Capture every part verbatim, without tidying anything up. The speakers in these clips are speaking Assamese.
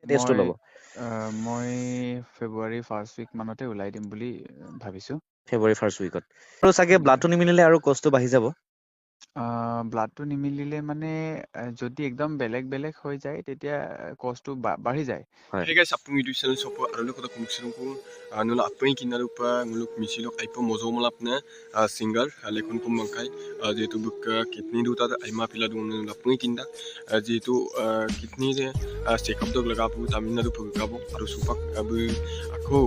টেষ্টটো মই ল'ব? আহ, মই ফেব্ৰুৱাৰী ফাৰ্ষ্ট উইক মানতে ওলাই দিম বুলি আহ, ভাবিছো। ফেব্ৰুৱাৰী ফাৰ্ষ্ট উইকত। আৰু চাগে ব্লাডটো নিমিলিলে আৰু কষ্টটো বাঢ়ি যাব। ব্লাডটো নিমিলিলে মানে আহ, যদি একদম বেলেগ বেলেগ হৈ যায় তেতিয়া কষ্টটো বাঢ়ি যায়। হয়। Hey guys, apung itu channel sopo arlo ko kum sirung ko nula apung kinaro pa nguluk misilok aipo mozo malap na singer lekon kum mangkai jetu buk kitni du ta aima pila du nula apung kinda jetu kitni de check up dog laga pu tamina du pug gabo aru supak abu ako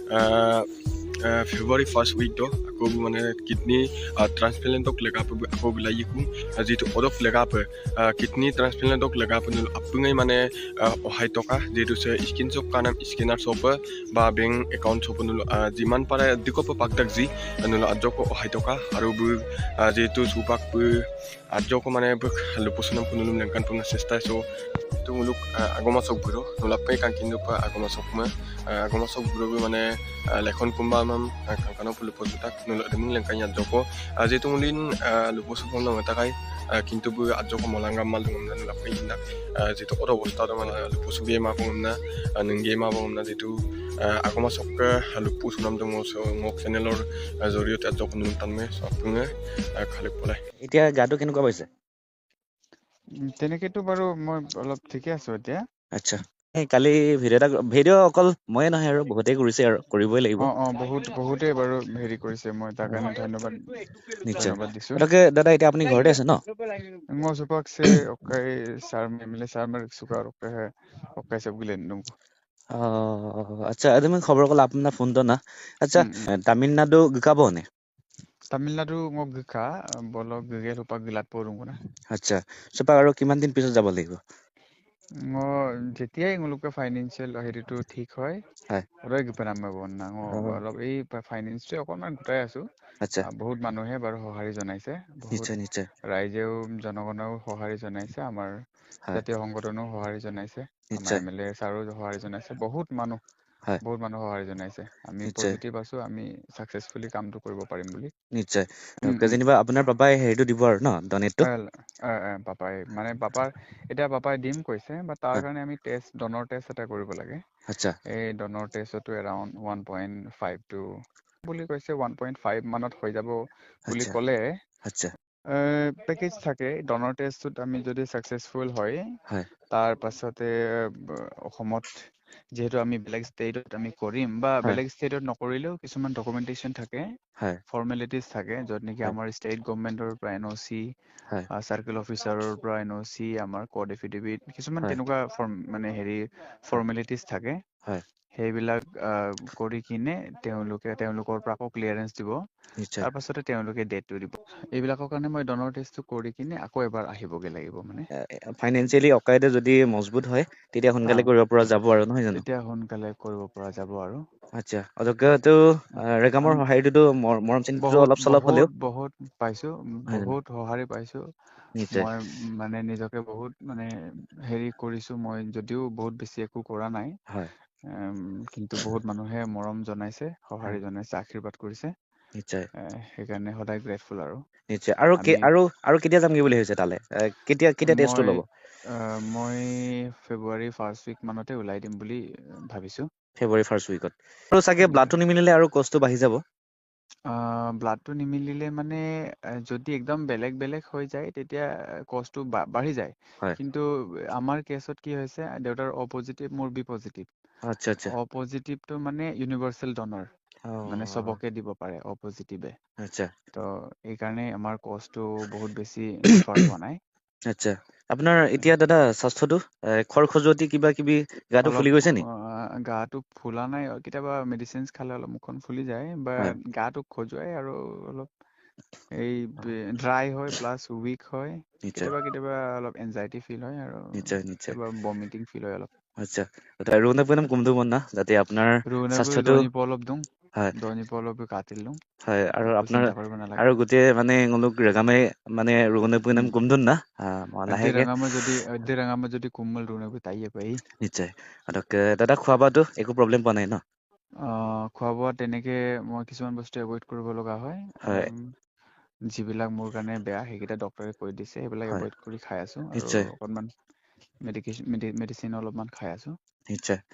February first week do ako মানে কিডনি ট্ৰান্সপ্লান্টক লেগা প আকৌ বিলাই কো যেটো অদক লেগা প কিডনি ট্ৰান্সপ্লান্টক লেগা প আপুঙাই মানে অহাই টকা যেটো সে স্কিন চক কানা স্কিনার চপ বা বেংক একাউন্ট চপ নল যিমান পারে দিকপ পাকদাক জি নল আজক অহাই টকা আৰু যেটো সুপাক আজক মানে লপসনম কুনুলম লেংকান পুনা চেষ্টা সো itu muluk agama sok buro nulapai kan kindu pa agama sok ma agama sok buro মানে লেখন কুম্বা মাম কাংকানো লুপসুতাক নলমুং লেংকাইয়া জকো যেহেতু মুলিন লুপসু ফোন মতাকাই কিন্তু বু আজকো মলাঙ্গাম মাল দংনা নলাপাই ইন্দা যেহেতু অত অবস্থা মানে লুপসু গে মা বংনা নংগে মা বংনা যেহেতু আগমা সক লুপসু নাম দং মোক চ্যানেলৰ জৰিয়তে আজকো নুন তানমে সপুঙে খালি পলাই এতিয়া গাটো কেনেকুৱা পাইছে? তেনেকেতো বাৰু মই অলপ ঠিকে আছো এতিয়া। আচ্ছা। এই কালি ভিডিঅ' এটা ভিডিঅ' অকল ময়ে নহয় আৰু বহুতেই কৰিছে আৰু কৰিবই লাগিব। অ অ বহুত বহুতেই বাৰু হেৰি কৰিছে, মই তাৰ কাৰণে ধন্যবাদ নিশ্চয়। ধন্যবাদ দিছো। তাকে দাদা এতিয়া আপুনি ঘৰতে আছে ন? Ngo supak se okay sar memile sar mer suka okay hai okay sab gilen nung. Oh, acha adami খবৰ কল আপনার ফোনটো না। আচ্ছা, তামিলনাডু গকাবো নে? Tamil Nadu ngok gika bolok gigel upak gilat porung na. আচ্ছা, সেপা আৰু কিমান দিন পিছত যাব লাগিব? Ngo যেতিয়াই nguluকে ফাইনেন্সিয়েল হেৰিটো ঠিক হয় হয়। ৰয় গিপানাম বন না ngo অ, অলপ এই ফাইনেন্সটো অকনমান গোটাই আছো। আচ্ছা, বহুত মানুহে বাৰু সঁহাৰি জনাইছে, বহুত নিশ্চয় নিশ্চয়। ৰাইজেও জনগণেও সঁহাৰি জনাইছে, আমাৰ হয়, জাতীয় সংগঠনেও সঁহাৰি জনাইছে, আমাৰ নিশ্চয়। এম এল এ ছাৰো সঁহাৰি জনাইছে, বহুত মানুহ হয়, বহুত মানুহ সঁহাৰি জনাইছে। আমি নিশ্চয় পজিটিভ আছো, আমি চাকচেছফুলি কামটো কৰিব পাৰিম বুলি। নিশ্চয়। উম উম যেনিবা আপোনাৰ পাপাই হেৰিটো দিব আৰু ন ডনেটটো? পাপাই মানে পাপাৰ এতিয়া পাপাই দিম কৈছে, বা তাৰ হয়, কাৰণে আমি টেষ্ট ডনৰ টেষ্ট এটা কৰিব লাগে। আচ্ছা, এই ডনৰ টেষ্টতো around one point five two বুলি কৈছে, ওৱান পইণ্ট ফাইভ মানত হৈ যাব বুলি আচ্ছা, ক'লে। আচ্ছা, পেকেজ থাকে ডনৰ টেষ্টটোত আমি যদি ছাকচেছফুল হয়, হয়, তাৰ পাছতে অসমত যিহেতু আমি বেলেগ ষ্টেটত আমি কৰিম, বা হয়, বেলেগ ষ্টেটত নকৰিলেও কিছুমান ডকুমেণ্টেশ্যন থাকে, হয়, ফৰ্মেলিটিজ থাকে, য'ত নেকি হয়, আমাৰ ষ্টেট গভৰ্ণমেণ্টৰ পৰা এন অ' চি, হয়, চাৰ্কেল অফিচাৰৰ পৰা এন অ' চি, আমাৰ কড এফিডেভিট, কিছুমান হয়, তেনেকুৱা ফৰ্ম মানে হেৰি হয়, ফৰ্মেলিটিজ থাকে। হয়, সেইবিলাক কৰি কিনে তেওঁলোকে তেওঁলোকৰ পৰা আকৌ ক্লিয়াৰেন্স দিব। নিশ্চয়। তাৰ পাছতে তেওঁলোকে ডেটটো দিব। এইবিলাকৰ কাৰণে মই ডনৰ টেষ্টটো কৰি কিনে আকৌ এবাৰ আহিবগে লাগিব মানে। ফাইনেন্সিয়েলি অকাইদে যদি মজবুত হয়, তেতিয়া অ সোনকালে কৰিব পৰা যাব আৰু নহয় জানো? তেতিয়া সোনকালে কৰিব পৰা যাব আৰু। আচ্ছা, অজকেটো ৰেগামৰ আম- সঁহাৰিটোতো মৰম চেনেহটো বহুত অলপ চলপ বহুত হ'লেও বহুত পাইছো, নহয় জানো? বহুত সঁহাৰি পাইছো। নিশ্চয়, মই মানে নিজকে বহুত মানে হেৰি কৰিছো, মই যদিও বহুত বেছি একো কৰা নাই। হয়, উম, কিন্তু বহুত মানুহে মৰম জনাইছে, হয়, সঁহাৰি জনাইছে, আশীৰ্বাদ কৰিছে। নিশ্চয়, এ সেইকাৰণে সদায় গ্ৰেটফুল আৰু। নিশ্চয়। আৰু আমি আৰু আৰু কেতিয়া যামগে বুলি ভাবিছে তালে? কেতিয়া কেতিয়া টেষ্টটো মই ল'ব? মই ফেব্ৰুৱাৰী ফাৰ্ষ্ট উইক মানতে ওলাই দিম বুলি ভাবিছো। ফেব্ৰুৱাৰী ফাৰ্ষ্ট উইকত। আৰু চাগে ব্লাডটো নিমিলিলে আৰু কষ্টটো বাঢ়ি যাব। ব্লাডটো নিমিলিলে মানে যদি একদম বেলেগ বেলেগ হৈ যায় তেতিয়া কষ্টটো বাঢ়ি যায়। হয়, কিন্তু আমাৰ কেছত কি হৈছে, দেউতাৰ অ' পজিটিভ, মোৰ বি পজিটিভ। আচ্ছা, আচ্ছা। অ' পজিটিভটো মানে ইউনিভাৰ্চেল ডনৰ, মানে অ', চবকে দিব পাৰে অ' পজিটিভে। আচ্ছা, ত' এইকাৰণে আমাৰ কষ্টটো বহুত বেছি ডিফাৰ হোৱা নাই। আচ্ছা। আপোনাৰ এতিয়া দাদা স্বাস্থ্যটো খৰ খজুৱতি কিবা কিবি গাটো অলপ ফুলি গৈছে নি? গাটো ফুলা নাই, কেতিয়াবা মেডিচিন খালে অলপ মুখখন ফুলি যায়, বা হয়, গাটো খজুৱাই আৰু অলপ এই ড্ৰাই হয়, প্লাছ উইক হয়, নিশ্চয়, কেতিয়াবা কেতিয়াবা অলপ এনজাইটি ফিল হয়, আৰু নিশ্চয়, নিশ্চয়। কেতিয়াবা বমিটিং ফিল হয় অলপ। আচ্ছা, না যাতে আপোনাৰ ৰুণাবু স্বাস্থ্যটো দৈনিক অলপ দিওঁ, হয়, দৈনিক অলপ কাটিল দিওঁ। হয়, আৰু একো আপোনাৰ চিন্তা কৰিব নালাগে। আৰু গোটেই মানে ৰেগামে মানে উম, না মই আধে লাহেকে ৰঙামা যদি আধে ৰঙামা যদি কোমল ৰুণাবু তাইয়ে পাই। নিশ্চয়। দাদা খোৱা বোৱাটো একো প্ৰব্লেম পোৱা নাই ন? খোৱা বোৱা তেনেকে মই কিছুমান বস্তু এভইড কৰিব লগা হয়। হয়, যিবিলাক মোৰ কাৰণে বেয়া সেইকেইটা ডক্টৰে কৈ দিছে, সেইবিলাক হয়, এভইড কৰি খাই আছো, আৰু নিশ্চয়, অকনমান মেডিকেশ্যন মেডিচিন অলপমান খাই আছো। নিশ্চয়